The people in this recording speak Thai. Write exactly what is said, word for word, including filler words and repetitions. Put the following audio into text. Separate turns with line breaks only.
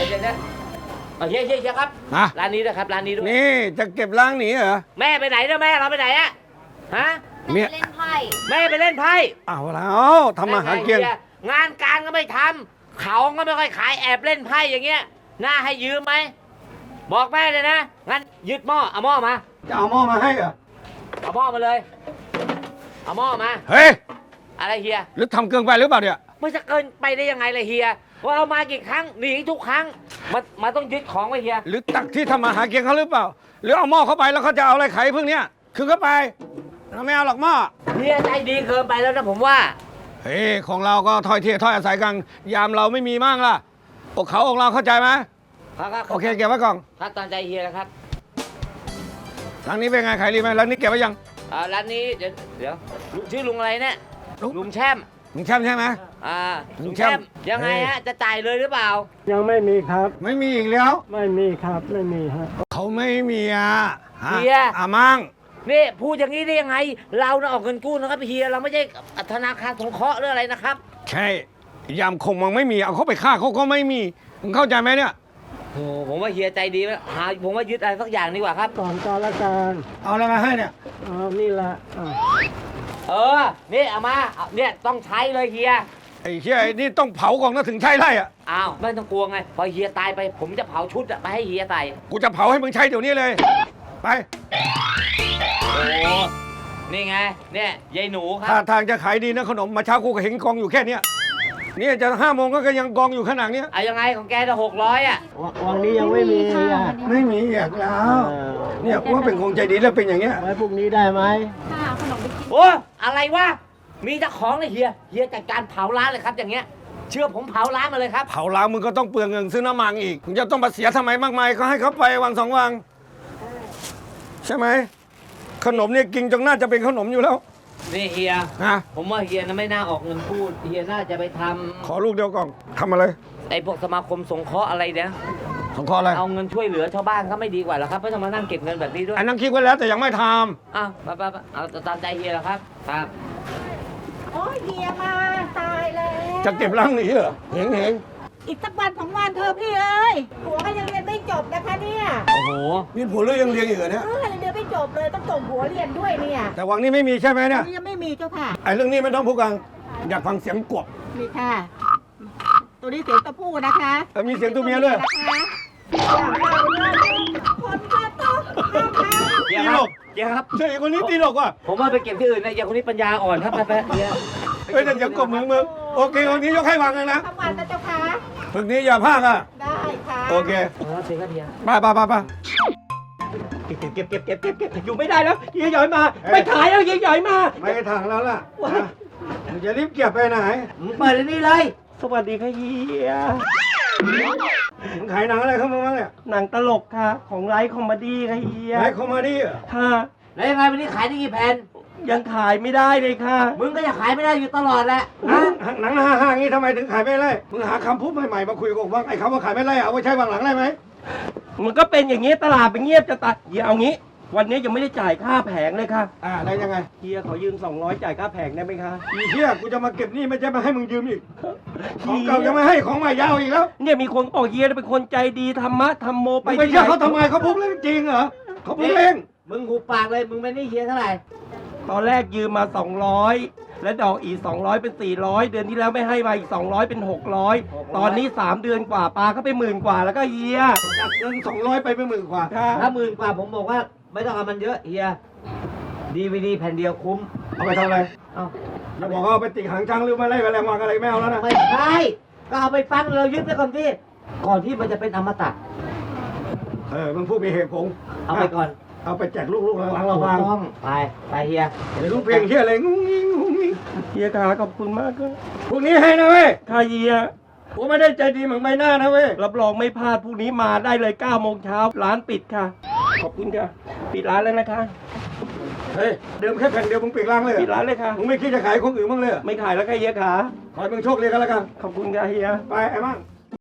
ยวเดี๋ยวนะเฮียเฮียเฮียครับร้านนี้ด้วยครับร้านนี้ด้วย
นี่จะเก็บล้างหนีเหรอ
แม่ไปไหนเนี่ยแม่เราไปไหนอะฮะ
แม่ไปเล่นไพ่
แม่ไปเล่นไพ่
เอาแล้วทำมาหาเกียง
งานการก็ไม่ทำเขาก็ไม่ค่อยขายแอบเล่นไพ่อย่างเงี้ยน่าให้ยืมไหมบอกแม่เลยนะงั้นยึดหม้อเอาหม้อมา
จะเอาหม้อมาให้เหรอ
เอาหม้อมาเลยเอาหม้อมา
เฮ้ย
อะไรเฮีย
หรือทำเกินไปหรือเปล่าเนี่ย
ไม่จะเกินไปได้ยังไงเลยเฮียว่าเอามากี่ครั้งหนีทุกครั้งมามาต้องยึดของไว้เฮีย
หรือตักที่ทำมาหาเกียงเขาหรือเปล่าหรือเอาหม้อเข้าไปแล้วเขาจะเอาอะไรไขพวกเนี้ยคือเข้าไปเราไม่เอาหรอกหม้อ
เฮียใจดีเกินไปแล้วนะผมว่า
เฮ้ยของเราก็ถอยเทียถอยอาศัยกันยามเราไม่มีมั่งล่ะอกเขาอกเราเข้าใจไหม
ครับ
โอเคเก็บไว้ก่อน
ครับตามใจเฮียนะครับ
ร้านนี้เป็นไงขายดีไหมร้านนี้เก็บไว้ยัง
อ่าร้านนี้เดี๋ยวเดี๋ยวชื่อลุงอะไรเนี่ยลุงแช่ม
ลุงแช่มใช่ไหม
อ่าลุงแช่มยังไงฮะจะจ่ายเลยหรือเปล่า
ยังไม่มีครับ
ไม่มีอีกแล้ว
ไม่มีครับไม่มีฮะ
เขาไม่มีอ่ะ
เฮีย
อ่ะมั่ง
นี่พูดอย่างนี้ได้ยังไงเราน่ะออกเงินกู้นะครับเฮียเราไม่ใช่ธนาคารสงเคราะห์หรืออะไรนะครับ
ใช่ยามคงมันไม่มีเอาเขาไปฆ่าเขาก็ไม่มีมึงเข้าใจไหมเนี่ย
โอ้ผมว่าเฮียใจดีไหมหาผมว่ายึดอะไรสักอย่างดีกว่าครับ
ก่อนการละกัน
เอาอะไรมาให้เนี่ย
เอานี่ละ
เออนี่เอามาเนี่ยต้องใช้เลยเฮีย
ไอ้เฮียนี่ต้องเผาก่อนนะถึงใช้ไร่อ่ะ
อ้าวไม่ต้องกลัวไงพอเฮียตายไปผมจะเผาชุดไปให้เฮียใส่
กูจะเผาให้มึงใช้เดี๋ยวนี้เลยไป
โอ้นี่ไงเนี่ยยายหนูครับ
ถ้าทางจะขายดีนะขนมมาเช้ากูก็เห็นกองอยู่แค่เนี้ยนี่จะห้าโมงก็ยังกองอยู่ขนาดนี้
อะยังไงของแกจะหกร้อยอ่ะ
วันนี้ยังไม่มี
ไม่มีอยากแล้วเนี่ยกูว่าเป็นคงใจดีแล้วเป็นอย่างเงี้ย
ไว้พรุ่งนี้ได้ไหม
ค่ะขนมไปกิน
โอ้อะไรวะมีเจ้าของเลยเฮียเฮียจัดการเผาร้านเลยครับอย่างเงี้ยเชื่อผมเผาร้านมาเลยครับ
เผาร้านมึงก็ต้องเปลืองเงินซื้อน้ำมันอีกมึงจะต้องมาเสียทำไมมากมายก็ให้เขาไปวันสองวันใช่ไหมขนมเนี่ยกินจนน่าจะเป็นขนมอยู่แล้ว
นี่เฮีย
ฮะ
ผมว่าเฮียนะไม่น่าออกเงินพูดเฮียน่าจะไปทำ
ขอลูกเดียวก่อนทำอะไร
ไอ้พวกสมาคมสงเคราะห์อะไรเนี่ย
สงเคราะห์อะไร
เอาเงินช่วยเหลือชาวบ้านก็ไม่ดีกว่าหรอครับไม่ต้องมานั่งเก็บเงินแบบนี้ด้วย
อันนั้นคิดไว้แล้วแต่ยังไม่ท
ำอ้าวไปไปเอาตามใจเฮียแล้วครับครับ
โอ้ยเฮียมาตายแล้ว
จะเก็บล้างหนีเหรอเห็งเห็ง
อีกสักวันสองวันเธอพี่เอ้ยผัวก็ยังเรียนไม่จบนะคะเนี่ย
โอ้โห
นี่ผัวเรื่องยังเรียนอยู่เนี่ย
เออเรียนไม่จบเลยต้องส่งผัวเรียนด้วยเนี่ย
แต่วังนี้ไม่มีใช่ไหมเนี่ย
ยังไม่มีเจ้าค่ะ
ไอ้เรื่องนี้ไม่ต้องพูดกันอยากฟังเสียงกบ
นี่ค่ะตัวนี้เสียงตะพูนะคะ
มีเสียงตัวเมียด้วย
นะคะอย่างเราเนี่ยคนก็ต้อง
ตีหลกเฮียครับ
ใช่คนนี้ตีหลกว่ะ
ผมว่าไปเก็บที่อื่นนะอย่างคนนี้ปัญญาอ่อนครับไปไปเฮีย
เฮ้ยแต่อย่ากบมึงมึงโอเคคนนี้ยกให้วางเลยนะ
ทั้งวันนะเจ้าค่ะ
ฝึกนี้อย่าพลาดอ่ะ
ได้ค่ะ
โอเค
เออเสียครับเฮีย
ไปไปไปไป
เก็บเก็บเก็บเก็บเก็บเก็บอยู่ไม่ได้แล้วเฮียใหญ่มาไม่ขายแล้วเฮียใหญ่มา
ไม่ถังแล้วล่ะมึงจะรีบเก็บไปไหน
มึงเปิดนี่เลย
สวัสดีค่ะเฮีย
มึงขายหนังอะไรเข้ามาบ้างเนี่ย
หนังตลกค่ะของไลฟ์คอมเมดี้ค่ะเฮีย
ไลฟ์คอมเมดี้
ค่ะ
แล้วยังไงวันนี้ขายได้กี่แผ่น
ยังขายไม่ได้เลยค่ะ
มึงก็จะขายไม่ได้อยู่ตลอดแหละ
หนังห้าห้างี้ทำไมถึงขายไม่ได้มึงหาคำพูดใหม่ๆมาคุยกับว่าไอ้คำว่าขายไม่ได้เอาไว้ใช้วางหลังได้ไหม
มันก็เป็นอย่างนี้ตลาดเป็นเงียบจะตัดเฮียเอางี้วันนี้ยังไม่ได้จ่ายค่าแผงเลยค่ะ
อ่าได้ยังไง
เฮียขอยืมสองร้อยจ่ายค่าแผงได้ไหมคะ
อีเฮียกูจะมาเก็บหนี้ไม่ใช่มาให้มึงยืมอีกของเก่ายังไม่ให้ของใหม่ยาวอีกแล้ว
เนี่ยมีคนบอกเฮียเป็นคนใจดีธรรมะธรรมโมไป
ไม่เชื่อเขาทำไมเขาพูดเรื่องจริงเหรอเขาพูดเล่น
มึงหูปากเลยมึงไม่ได้เฮียเท่าไหร่
ตอนแรกยืมมาสองร้อยและดอกอีกสองร้อยเป็นสี่ร้อยเดือนที่แล้วไม่ให้มาอีกสองร้อยเป็นหกร้อยตอนนี้สามเดือนกว่าปลาก็ไปหมื่นกว่าแล้วก็เฮีย
จากเงินสองร้อยไปเป็นหมื่นกว่า
ถ้าหมื่นกว่าผมบอกว่าไม่ต้องเอามันเยอะเฮียดีวีดีแผ่นเดียวคุ้ม
เอาไปทำอะไรเอาอย่าบอกว่าเอาไปติดหางช้างหรือไม่ไล่แมลงวันอะไรไม่เอาแล้วนะ
ไม่ใช่ก็เอาไปฟังเรายึดไปก่อนที่ก่อนที่มันจะเป็นอมตะ
เออมึงพูดมีเหตุผล
เอาไปก่อน
เอาไปแจกลูกๆหลังๆเราฟัง
ไปไปเฮีย
เดี๋ยวลูกเพลงเฮียอะไรงุ้งงิ้งงุ้งงิ้ง
เฮียขาขอบคุณมากครับ
พรุ่งนี้ให้นะเว้ย
ค่ะเฮีย
ผมไม่ได้ใจดีเหมือนใบหน้านะเว้ย
รับรองไม่พลาดพรุ่งนี้มาได้เลยเก้าโมงเช้าร้านปิดค่ะขอบคุณค่ะปิดร้านแล้วนะคะ
เฮ้ยเดิมแค่แผ่นเดียวมึงปิดร้านเลย
ปิดร้านเลยค่ะ
มึงไม่คิดจะขายคนอื่นบ้างเลย
ไม่ขายแล้วค่ะเฮียขา
ขอให้มึงโชคดีกันแล้วกัน
ขอบคุณค่ะเฮีย
ไปไอ้มั่ง